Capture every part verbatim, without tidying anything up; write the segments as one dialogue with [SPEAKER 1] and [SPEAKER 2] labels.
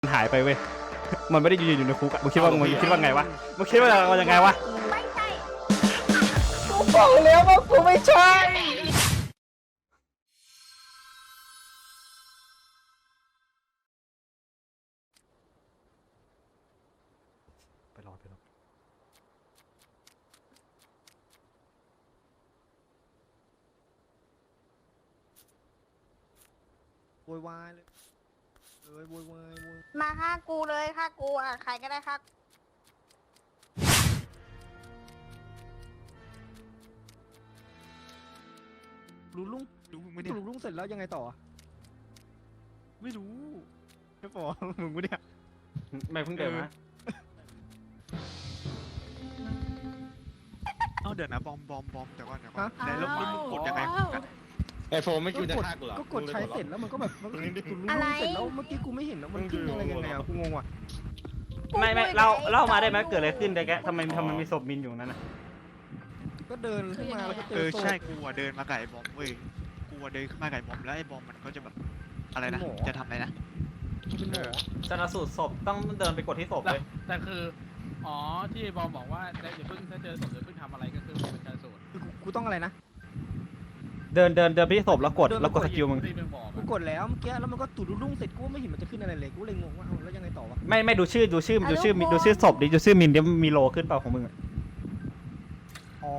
[SPEAKER 1] หายไปเว้ยมันไม่ได้ยืนอยู่ในคุกอะมึงคิดว่ามึงคิดว่าไงวะมึงคิดว่าเรายังไงวะ
[SPEAKER 2] ไม่ใช่
[SPEAKER 1] กูบอกแล้วว่ากูไม่ใช่ไปรอไปรอ
[SPEAKER 3] โวยวายเลยเลยโวยวายโวย
[SPEAKER 2] มาฆ่ากูเลยฆ่ากูอ่ะใครก็ได้ฆ่า
[SPEAKER 3] รู้ลุง
[SPEAKER 4] รู้มึงไม่
[SPEAKER 3] ไม่
[SPEAKER 4] เนี่ย
[SPEAKER 3] รู้ลุงเสร็จแล้วยังไงต่อ
[SPEAKER 4] ไม่รู้
[SPEAKER 3] ไม่บอกมึงไม่เนี่ย
[SPEAKER 1] ไม่เพิ่งเดินมา
[SPEAKER 4] เอ้าเดี๋ยวนะบอมบอมบอมเดี๋ยวก่อนเดี๋ยวก่อนไหนแล้วมึงกดยังไง
[SPEAKER 5] ไอโฟมไม่คิดจะฆ่ากูเหรอ
[SPEAKER 3] ก็กดใช้เสร็จแล้วมันก็แบบมันก็รู้ลุงเสร็จแล้วเมื่อกี้กูไม่เห็นแล้วมันขึ้นอะไรยังไงอ่ะกูงงว่ะ
[SPEAKER 1] ไม่ไม่เล่าเล่ามาได้ไหมเกิดอะไรขึ้นแต่แกทำไมทำไมมีศพมินอยู่นั่นน่ะ
[SPEAKER 3] ก็เดินขึ้นมาแล้วก็เจ
[SPEAKER 4] เอ
[SPEAKER 3] อ
[SPEAKER 4] อ
[SPEAKER 3] ศพ
[SPEAKER 4] ใช่กูอะเดินมาไก่บอมเว้ยกูอะเดินขึ้นมาไก่บอมแล้วไอ้บอมมันก็จะแบบอะไรนะจะทำอะไรนะ
[SPEAKER 3] เป็นหมอ
[SPEAKER 1] ชันสูตรศพต้องเดินไปกดที่ศพเลย
[SPEAKER 6] แต่คือ อ๋อ ที่บอมบอกว่าได้อย่าเพิ่งถ้าเจอศพอย่าเพิ่งทำอะไรก็คือเป็นการสูตร
[SPEAKER 3] คือกูกูต้องอะไรนะ
[SPEAKER 1] เดินเดินเดินไปที่ศพแล้วกดแล้วกดสกิลมึง
[SPEAKER 6] ที่เป็นบอก
[SPEAKER 3] กูกดแล้วเมื่อกี้แล้วมันก็ตุ่ลุงเสร็จกูไม่เห็นมันจะขึ้นอะไรเลยกูเลยงงว่าเอ้าแล้วยังไงต่อวะ
[SPEAKER 1] ไม่ไม่ดูชื่อดูชื่อดูชื่อดูชื่อศพดิดูชื่อมินเดี๋ยวมีโลขึ้นเปล่าของมึงอะ
[SPEAKER 3] อ๋อ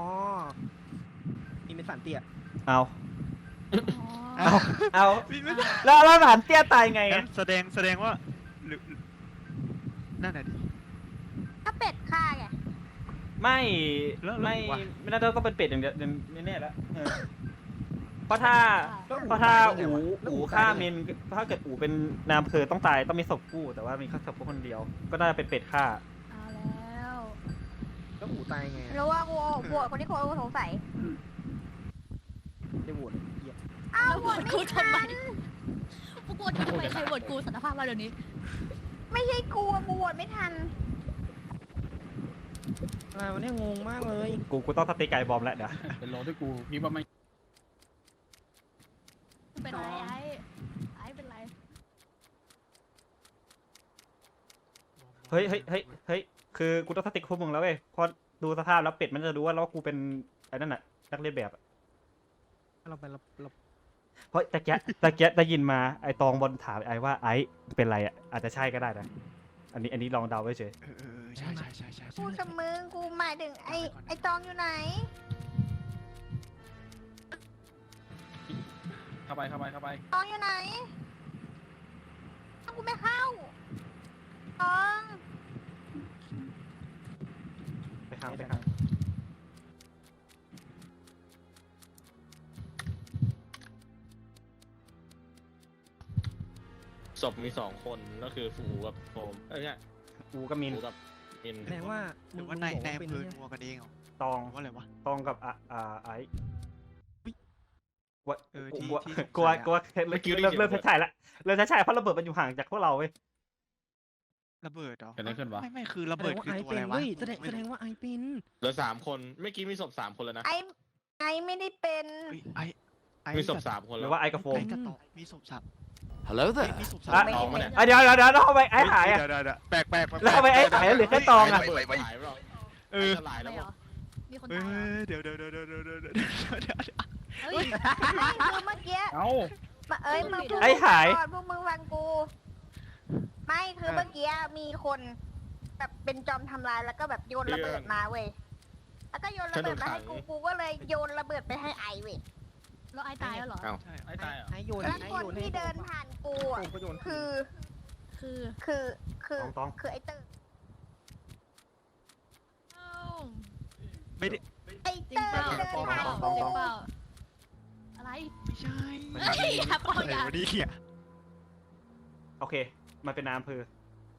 [SPEAKER 3] มีเป็นสันเตี้ย
[SPEAKER 1] เอาเอาเอาแล้วแล้วหลานเตี้ยตายไง
[SPEAKER 4] งั้
[SPEAKER 1] อะ
[SPEAKER 4] นแสดงแสดงว่าหรือนั่นน่ะดิ
[SPEAKER 2] ถ้าเป็ดฆ่าไง
[SPEAKER 1] ไม่
[SPEAKER 4] แล้วแล้ว
[SPEAKER 1] ไม่
[SPEAKER 4] วะ
[SPEAKER 1] ไม่น่าจะต้องเป็นเป็ดอย่างเดียวแน่ๆแล้วเออเพราะถ้าเพราะถ้าอูอูฆ่ามินถ้าเกิดอูเป็นนายอำเภอต้องตายต้องมีศพกู้แต่ว่ามีแค่ศพพวกคนเดียว ก็น่าจะเป็นเป็ดฆ่า
[SPEAKER 2] เอาแล้ว
[SPEAKER 3] แล้วหูตายไง
[SPEAKER 2] รู้ว่ากูบวชคนที่โคตรสงสัย
[SPEAKER 3] ได้โหวตเหี้ย
[SPEAKER 2] อ้าว
[SPEAKER 7] แล้ว
[SPEAKER 2] บ
[SPEAKER 7] โห
[SPEAKER 2] ว
[SPEAKER 7] ว
[SPEAKER 2] ช
[SPEAKER 7] ต
[SPEAKER 2] ไม่
[SPEAKER 7] กู
[SPEAKER 2] ทั
[SPEAKER 7] ทำไม
[SPEAKER 2] น
[SPEAKER 7] พวกกูทำไมใครโหวตกูสารภาพมาเดี๋ยวนี้
[SPEAKER 2] ไม่ใช่กูอะกูบวชไม่ทัน
[SPEAKER 3] อะไรวันนี้งงมากเลย
[SPEAKER 1] กูกูต้องสติไก่บอมแล้วเดี๋ยว
[SPEAKER 6] เป็นโลที่กูคิดว่าไม่
[SPEAKER 7] เป็นไรไอ้ไอ้เป็นไร
[SPEAKER 1] เฮ้ยเฮ้ยเฮ้ยเฮ้ยคือกูต้องสติกพวกมึงแล้วเว้ยเพราะดูสภาพแล้วเป็ดมันจะรู้ว่าแล้วกูเป็นไอ้นั่นน่ะนักเรียนแบบอะ
[SPEAKER 3] เราไปเราเรา
[SPEAKER 1] เพราะตะเกียตะเกียได้ยินมาไอ้ตองบอลถามไอ้ว่าไอ้เป็นไรอ่ะอาจจะใช่ก็ได้นะอันนี้อันนี้ลองเดาไว้เฉย
[SPEAKER 4] เออเออเออใช่ใช่ใช่ใช่
[SPEAKER 2] กูกับมึงกูหมายถึงไอ้ไอ้ตองอยู่ไหน
[SPEAKER 6] เข้าไปเข้าไปเข้าไป
[SPEAKER 2] ตองอยู่ไหนอ้าวกูไม่เข้าตอง
[SPEAKER 1] ไปข้างไปข้าง
[SPEAKER 5] ศพมีสองคนก็คือฟูกับโฟมเอ้ยไม่ใช่
[SPEAKER 1] กูกับมิน
[SPEAKER 5] ฟูกับมิน
[SPEAKER 3] แสดงว่า
[SPEAKER 4] ห
[SPEAKER 3] มึ
[SPEAKER 4] รื
[SPEAKER 3] ง
[SPEAKER 4] อว่า
[SPEAKER 3] มึง
[SPEAKER 4] ใน
[SPEAKER 3] บอก
[SPEAKER 4] ใน
[SPEAKER 3] ว่าเป็น
[SPEAKER 4] อำเภอ
[SPEAKER 3] เนี่ย
[SPEAKER 4] นัวกันเองเหรอ
[SPEAKER 1] ตอง
[SPEAKER 4] ว่าอะไรวะ
[SPEAKER 1] ตองกับอ่ะอ่าไอ้วะ
[SPEAKER 4] เออ
[SPEAKER 1] กู
[SPEAKER 4] ที่
[SPEAKER 1] กลัว
[SPEAKER 4] ที่สงสัย
[SPEAKER 1] กลัว
[SPEAKER 4] อะ
[SPEAKER 1] กลัวเริ่มเริ่มเริ่มใช่ละเริ่มใช่เพราะระเบิดมันอยู่ห่างจากพวกเราเว้ย
[SPEAKER 4] ระเบิดเหรอ
[SPEAKER 6] เกิดอะไรขึ้นวะ
[SPEAKER 4] ไม่ไม่คือระ
[SPEAKER 3] แสด
[SPEAKER 4] เบิด
[SPEAKER 3] งว่า
[SPEAKER 4] คือ
[SPEAKER 3] ไอ
[SPEAKER 4] ตัว
[SPEAKER 3] เป็
[SPEAKER 4] อะไร
[SPEAKER 3] น
[SPEAKER 4] วะ
[SPEAKER 3] เว้ยแสดงแสดงว่าไอเป็น
[SPEAKER 5] เหลือสามคนเมื่อกี้มีศพสามคนแล้วนะ
[SPEAKER 2] ไอ้ไอ้ไม่ได้เป็น
[SPEAKER 4] เฮ้ยไอไอ
[SPEAKER 5] มีศพสามคน
[SPEAKER 1] ห
[SPEAKER 5] แล้
[SPEAKER 1] รือ
[SPEAKER 5] ว
[SPEAKER 1] ว่าไอ้กับโฟม
[SPEAKER 4] ไอ้กระต่ายมีศพสับ
[SPEAKER 8] Hello
[SPEAKER 4] เฮ้ย
[SPEAKER 8] there.
[SPEAKER 4] มีศพสับ
[SPEAKER 1] อ่ะ
[SPEAKER 5] ตองมาเนี่ย
[SPEAKER 1] อ่ะเดี๋ยวเดี๋ยวเดี๋ยวเอาไปไอ้หายอ่ะ
[SPEAKER 4] เดี๋ยวเดี๋ยวเดี๋ยวแปลกแปลกแปลก
[SPEAKER 1] แล้วเอาไปไอ้หายแล้วเหลือแค่ตองอ่ะ
[SPEAKER 5] ระเบิดหายไปหรอ
[SPEAKER 4] เออ
[SPEAKER 5] จะหลาย
[SPEAKER 7] อะไร
[SPEAKER 5] แล้ว
[SPEAKER 7] เหรอ มีคน
[SPEAKER 4] เอ
[SPEAKER 7] ตายเหรอ
[SPEAKER 4] อเดี๋ยวเดี๋ยวเดี๋ยวเดี๋ยวเดี๋ยวเดี๋ยวเดี๋ยวเดี๋ยว
[SPEAKER 7] เฮ้ย
[SPEAKER 2] ไม่คือเมื่อกี้
[SPEAKER 6] เอ้า
[SPEAKER 2] มาเอ้ยมึงพูด
[SPEAKER 1] ไอ้หาย
[SPEAKER 2] ก่อนพวกมึงฟังกู ไม่คือเมื่อกี้มีคนแบบเป็นจอมทำลายแล้วก็แบบโยนระเบิดมาเว้ย แล้วก็โยนระเบิดมาให้กู กูก็เลยโยนระเบิดไปให้ไอเว้ย
[SPEAKER 7] แล้วไอ้ตายแล้วเหรอ
[SPEAKER 5] เอ้า
[SPEAKER 4] ใช่
[SPEAKER 6] ไอ้ตายเหรอ
[SPEAKER 3] ไอโยน
[SPEAKER 2] แล้ว
[SPEAKER 3] ไอ
[SPEAKER 2] คน
[SPEAKER 3] โยนให้
[SPEAKER 2] ที่เดินผ่านกู
[SPEAKER 3] โฟ
[SPEAKER 2] อ่ะ
[SPEAKER 3] มก็โยน
[SPEAKER 2] คือ
[SPEAKER 7] คือ
[SPEAKER 2] คือ คือ
[SPEAKER 1] ตอง
[SPEAKER 2] คือไอเตอร์
[SPEAKER 7] เอ้า
[SPEAKER 4] ไม่ได้
[SPEAKER 2] ไอ
[SPEAKER 7] จริ
[SPEAKER 2] เต
[SPEAKER 7] ง
[SPEAKER 2] อร์
[SPEAKER 7] เปล่า
[SPEAKER 2] เดินผ่าน
[SPEAKER 1] ตอง
[SPEAKER 2] กู
[SPEAKER 7] จริงเปล่า อะไร
[SPEAKER 4] ไม่ใช่
[SPEAKER 7] เฮ้ยอย่าปล่อย
[SPEAKER 4] อะไร
[SPEAKER 7] อย่า
[SPEAKER 4] วะเนี่ย
[SPEAKER 1] โอเคมันเป็นนายอำเภอ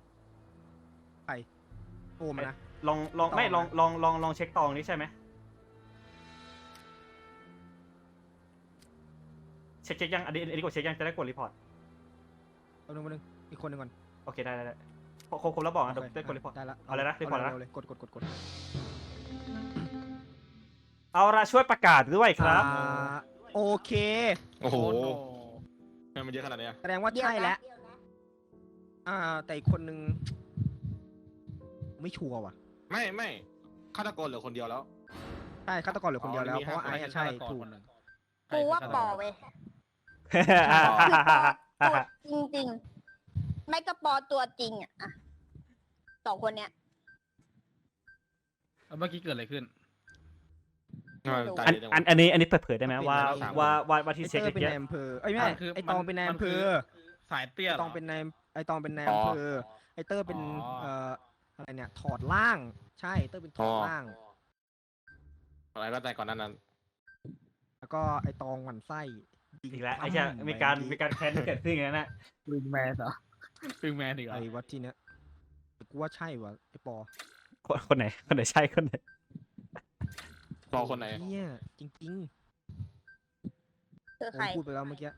[SPEAKER 3] โฟมอะนะ
[SPEAKER 1] ลองลอง
[SPEAKER 3] ตอง
[SPEAKER 1] ไม่
[SPEAKER 3] นะ
[SPEAKER 1] ลองลองลองลองเช็คตองนี่ใช่ไหมเช็คเช็คยังอันนี้อันนี้กดเช็คยังจะได้กดรีพอร์ต
[SPEAKER 3] เอาหนึ่งมาหนึ่งอีกคนหนึ่งก่อน
[SPEAKER 1] โอเคได้ได้ได้ครบครบแล้วบอกนะเดี๋ยวได้กดรีพอร์ต
[SPEAKER 3] ได้ละ
[SPEAKER 1] เอาเลยนะรีพอร์ตนะ
[SPEAKER 3] เาเลยกดกดกดกด
[SPEAKER 1] เอาละช่วยประกาศด้วยครับ
[SPEAKER 3] อ่าโอเค
[SPEAKER 5] โอ้โห
[SPEAKER 6] โอ้โห
[SPEAKER 5] ทำไมมันเยอะขนาดเนี้ย
[SPEAKER 3] แสดงว่า
[SPEAKER 2] เดี๋ยว
[SPEAKER 3] ใช่
[SPEAKER 2] นะ
[SPEAKER 3] แล้วอ่าแต่อีกคนนึงไม่ชัวร์ว่ะ
[SPEAKER 5] ไม่ไม่ฆาตกรเหลือคนเดียวแล้ว
[SPEAKER 3] ใช่ฆาตกรเหลือคนเดียวแล้ว
[SPEAKER 5] อ๋อ
[SPEAKER 3] เพราะว่าไอ้อะใช่ถูก
[SPEAKER 2] กูว่าปอเว้ย
[SPEAKER 1] ฮ่า
[SPEAKER 2] คือป
[SPEAKER 1] ฮ่า
[SPEAKER 2] อ
[SPEAKER 1] ฮ่า
[SPEAKER 2] ตัว
[SPEAKER 1] ฮ่า
[SPEAKER 2] จริงๆ ไม่ก็ปอตัวจริงอะอะสองคนเนี้ย
[SPEAKER 6] แล้วเมื่อกี้เกิดอะไรขึ้น
[SPEAKER 5] ตาย
[SPEAKER 1] อัน
[SPEAKER 5] เลยจังห
[SPEAKER 1] อั
[SPEAKER 5] วะ
[SPEAKER 1] นอันนี้อันนี้เปิดเผยได้ไหมว่า
[SPEAKER 5] สามคน
[SPEAKER 1] ว่าว่าว่า
[SPEAKER 3] ไอ
[SPEAKER 1] ที่
[SPEAKER 3] เต
[SPEAKER 1] เช็ค
[SPEAKER 3] อร์เป็น
[SPEAKER 1] เมื่อ
[SPEAKER 3] ใน
[SPEAKER 1] กี้
[SPEAKER 3] อำเภอไอ้ยไม่ใช่
[SPEAKER 6] อ่ะคือ
[SPEAKER 3] ไอตอง
[SPEAKER 6] มัน
[SPEAKER 3] เป็นใน
[SPEAKER 6] มัน
[SPEAKER 3] อำเภ
[SPEAKER 6] คือ
[SPEAKER 3] อ
[SPEAKER 6] สายเตี้ย
[SPEAKER 3] ไอ
[SPEAKER 6] เหร
[SPEAKER 3] ตองเป็นในไอตองเป็นใน
[SPEAKER 5] อ๋อ
[SPEAKER 3] อำเภอไอเตอร์เป็น
[SPEAKER 6] อ๋อ
[SPEAKER 3] เอ่ออะไรเนี่ยถอดล่างใช่เตอร์เป็นถอดล่าง
[SPEAKER 5] อะไรก็แต่ก่อนหนั้นนั้น
[SPEAKER 3] แล้วก็ไอตองหมันไส้ยิง
[SPEAKER 1] อีกแล้วไอ้
[SPEAKER 3] ปั้ม
[SPEAKER 1] เชี่ยมีการ
[SPEAKER 3] ไป
[SPEAKER 1] มีการแค้นเกิดขึ้นอย่างนั้นนะ
[SPEAKER 6] วิงแมนเหรอวิงแมนอีกเหรอ
[SPEAKER 3] ไอ้วัดที่เนี้ยกูว่าใช่วะไอปอ
[SPEAKER 1] คนคนไหนคนไหนใช่คนไหน
[SPEAKER 5] รอคนไหน
[SPEAKER 3] เนี่ยจริง
[SPEAKER 2] คือ
[SPEAKER 3] ๆ
[SPEAKER 2] ใคร
[SPEAKER 3] ผมพูดไปแล้วเมื่อกี้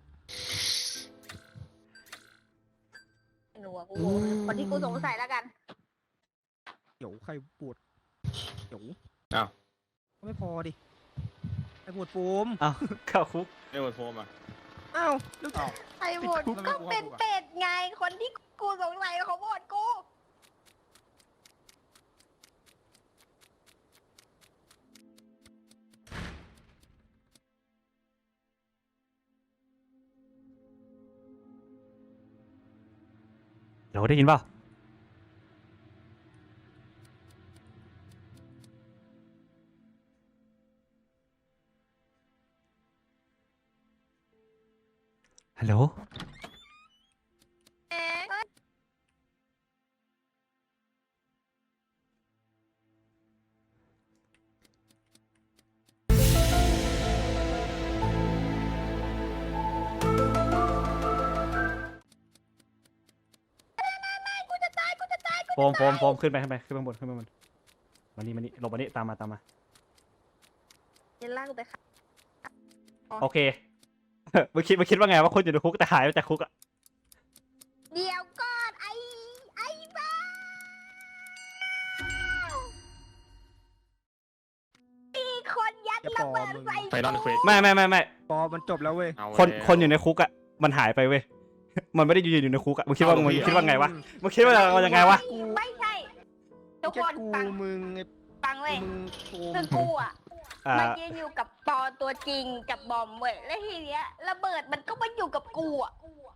[SPEAKER 2] ไม่รู้อะกูงงคนที่กูสงสัยแล้วกัน
[SPEAKER 3] เดี๋ยวใครปวดเดี๋ยว
[SPEAKER 5] อ้าว
[SPEAKER 3] ไม่พอดิไอปวดโฟม
[SPEAKER 1] เอ้าเข้าคุก
[SPEAKER 5] ไม่หมดโฟมอ่ะ
[SPEAKER 3] อ้าวแล้ว
[SPEAKER 2] ไอ้โหวตก็เป็นเป็ดไง คนที่กูสงสัยเขาโหวตกู
[SPEAKER 1] เดี๋ยวได้ยินเปล่าฮัลโหล
[SPEAKER 2] เอ๊ะ กูจะตายกูจะตายกู
[SPEAKER 1] โฟมโฟมโฟมขึ้นไปขึ้นไปขึ้นไปข้างบนขึ้นไปข้างบนมานี่มานี่หลบมานี่ตามมาตามมา
[SPEAKER 2] จะลากกูไปค่ะ
[SPEAKER 1] โอเค มึงคิดมึงคิดว่าไงว่าคนอยู่ในคุกแต่หายไปจากคุกอะ
[SPEAKER 2] เดี๋ยวก่อนไอ้ไอ้บ้ามีคนยัดระเบิดใส่
[SPEAKER 5] ไฟนอลเควส
[SPEAKER 1] ไม่ไม่ไม่ไม่
[SPEAKER 3] ปอมันจบแล้วเว้ย
[SPEAKER 5] เอา
[SPEAKER 1] คน
[SPEAKER 5] แล้ว
[SPEAKER 1] คนอยู่ในคุกอะมันหายไปเว้ย มันไม่ได้ยืนอยู่ในคุกอะมึงคิดว่า
[SPEAKER 5] เอา
[SPEAKER 1] มึง
[SPEAKER 5] เลย
[SPEAKER 1] คิดว่าไงวะมึงคิดว่าเรายังไงวะ
[SPEAKER 2] ไม่ใช่ ทุก
[SPEAKER 3] แค่
[SPEAKER 2] คน
[SPEAKER 3] กู
[SPEAKER 2] ฟัง
[SPEAKER 3] มึงไอ้
[SPEAKER 2] ฟังเว้ย
[SPEAKER 3] มึงโฟม
[SPEAKER 2] คือกูอ่ะ
[SPEAKER 1] อ่า
[SPEAKER 2] มายืนอยู่กับปอตัวจริงกับบอมเว้ยแล้วทีเนี้ยระเบิดมันก็มาอยู่กับกูอ่ะ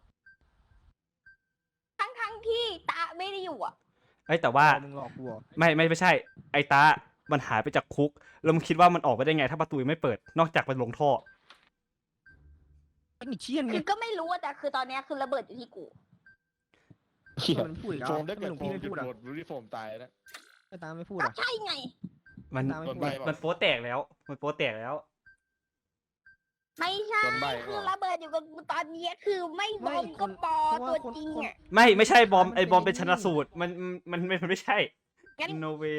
[SPEAKER 2] ทั้งทั้งๆที่ตาไม่ได้อยู่อ่ะ
[SPEAKER 1] เอ้ยแต่ว่า
[SPEAKER 3] มึงหลอกกูเหรอ
[SPEAKER 1] ไม่ไม่ไม่ใช่ ไอ้ตา มันหายไปจากคุก แล้วมึงคิดว่ามันออกไปได้ไงถ้าประตูยังไม่เปิด นอกจากไปลงท่อ
[SPEAKER 3] ไอ้นี่เชี่ยนไง
[SPEAKER 2] คือก็ไม่รู้อะแต่คือตอนเนี้ยคือระเบิดอยู่ที่กู
[SPEAKER 5] เหี้ย
[SPEAKER 3] มันพูดอีกแล้ว
[SPEAKER 5] โฟมถ้าเกิด
[SPEAKER 3] หลวง
[SPEAKER 5] โฟ
[SPEAKER 3] พี่
[SPEAKER 5] ม
[SPEAKER 3] ไม่
[SPEAKER 5] หยุ
[SPEAKER 3] พู
[SPEAKER 5] ด
[SPEAKER 3] ดอ่ะ
[SPEAKER 5] โหวตรู้ที่โฟมตายแล้ว
[SPEAKER 3] ไอ้ตาไม่พูด
[SPEAKER 2] ก็
[SPEAKER 3] อ่ะ
[SPEAKER 2] ใช่ไง
[SPEAKER 1] มัน
[SPEAKER 3] ตามไม่
[SPEAKER 5] โดน
[SPEAKER 3] พู
[SPEAKER 5] ใบ
[SPEAKER 3] ด
[SPEAKER 5] เหรอ
[SPEAKER 1] มันโป๊แตกแล้ว มันโป๊แตกแล้ว
[SPEAKER 2] ไม่ใช่
[SPEAKER 5] โดนใบ้เหรอ
[SPEAKER 2] คือระเบิดอยู่กับกูตอนเนี้ยคือไม่บอมก็ปอตัวจริงอ่ะ
[SPEAKER 1] ไม่ไม่ใช่บอม ไอ้บอมเป็นชนะสูตร มันมันมันมันไม่ใช่
[SPEAKER 2] งั้น
[SPEAKER 1] no way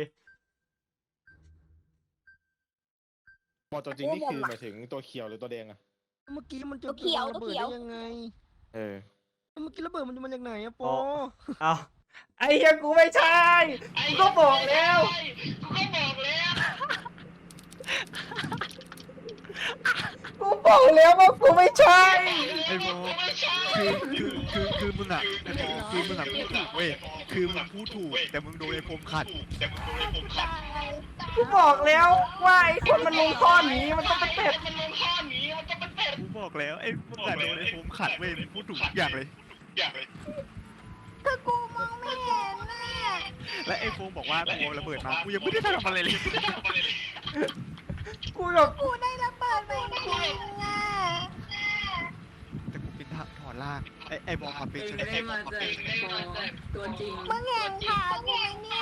[SPEAKER 5] บอลตัวจริงนี่คือหมายถึงตัวเขียวหรือตัวแดงอะ
[SPEAKER 3] เมื่อกี้มันจะ
[SPEAKER 2] ตัวเขียว
[SPEAKER 3] ระ
[SPEAKER 2] ตัว
[SPEAKER 3] เบิด
[SPEAKER 2] เขียว
[SPEAKER 3] ได้ยังไง
[SPEAKER 5] เออ
[SPEAKER 3] เมื่อกี้ระเบิดมันจะมาจากไหนอะป
[SPEAKER 1] อ๋
[SPEAKER 3] อ
[SPEAKER 1] อ เอาไอ้เหี้ยกูไม่ใช่กูก็บอกแล้ว กูบอกแล้วว่ากูไม่ใช่
[SPEAKER 4] ไอ้โบคือคือคือคือมึงอ่ะไอ้โบคือมึงอ่ะพูดถูกเว้ยคือมึงพูดถูกแต่มึงโดนไอ้โฟมขัด
[SPEAKER 1] กูบอกแล้วว่าไอ้คนมันลงท่อหนีมันต้องเป็นเป็ด
[SPEAKER 4] กูบอกแล้วไอ้มึงอ่ะโดนไอ้โฟมขัดเว้ยมึงพูดถูกทุกอย่างเลย
[SPEAKER 2] คือกูมองไม่เห็นน่ะ
[SPEAKER 4] และไอ้โฟมบอกว่ากูเอาระเบิดมากูยังไม่ได้ทำอะไรเลย
[SPEAKER 1] กูแบบ
[SPEAKER 2] กูได้ระเบิดไปจริงอ่ะ
[SPEAKER 4] แต่กูเป็นทหารถอดล่างไอ้ไอ้บอลมาเป็นชนะ
[SPEAKER 8] ได้มาจากตัวจริง
[SPEAKER 2] มึงเห็นข่าวกูไหมเนี่ย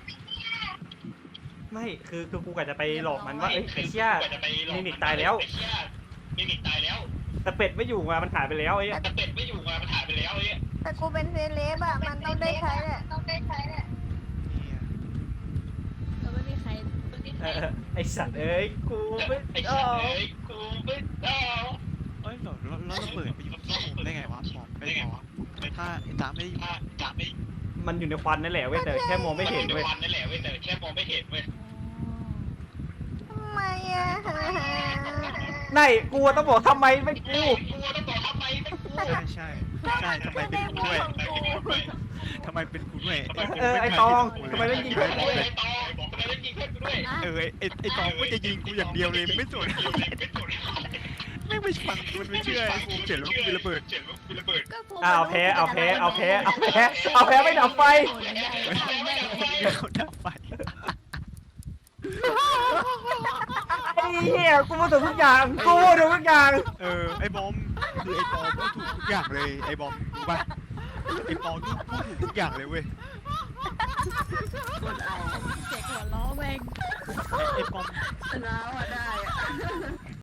[SPEAKER 1] ไม่คือคือกูกะจะไปหลอกมันว่าเอ้ยไอ้เชี่ยมิมิกตายแล้วแต่เป็ดไม่อยู่มามันหายไปแล้วไอ้เหี้ย
[SPEAKER 2] แต่กูเป็นเซเลบอะมันต้องได้ใช้แหละต้องได้ใช้แหละ
[SPEAKER 7] แล้วไม่มีใคร
[SPEAKER 1] เออไอ้สัตว์เอ้ยกูไม่เอา
[SPEAKER 4] เอ้ยแล้วแล้วระเบิดไปอยู่ที่ผมได้ไงวะบอกไม่บอกถ้าไอ้ตาไม่ได้อยู่
[SPEAKER 1] มันอยู่ในควันนั่นแหละเว้ยแต่แค่มองไม่เห็นเว้ย
[SPEAKER 2] ทำไมอะ
[SPEAKER 1] ไหนกูต้องบอกทำไมไม่กู
[SPEAKER 4] ใช่ใช่ใช่ทำไมเป็นกูด้วยทำไมเป็นกูด้วย
[SPEAKER 1] เออไอ้ตองทำไมต้องยิงเพื่อนกูด้วย
[SPEAKER 4] เออไอ้ไอ้ตองก็จะยิงกูอย่างเดียวเลยไม่สนไม่ไม่ฟังมันไม่เชื่อไอ้กูเขียนแล้วกูระเบิด
[SPEAKER 7] ก็ผม
[SPEAKER 1] อ่าเอาแพ้เอาแพ้เอาแพ้เอาแพ้เอาแพ้ไม่ดับไฟ
[SPEAKER 4] เขาดับไฟ
[SPEAKER 1] ไอ้เหี้ยกูมาถูกทุกอย่างกูมาถูกทุกอย่าง
[SPEAKER 4] เออไอ้บอมคือไอ้ปอพูดถูกทุกอย่างเลยไอ้บอมรู้ป่ะไอ้ปอพูดพูดถูกทุกอย่างเลยเว้ย
[SPEAKER 8] คนเอา
[SPEAKER 7] เสียงหัวล้อแม่ง
[SPEAKER 4] ไอ้ไอ้ปอม
[SPEAKER 8] ชนะอ่ะได้อะ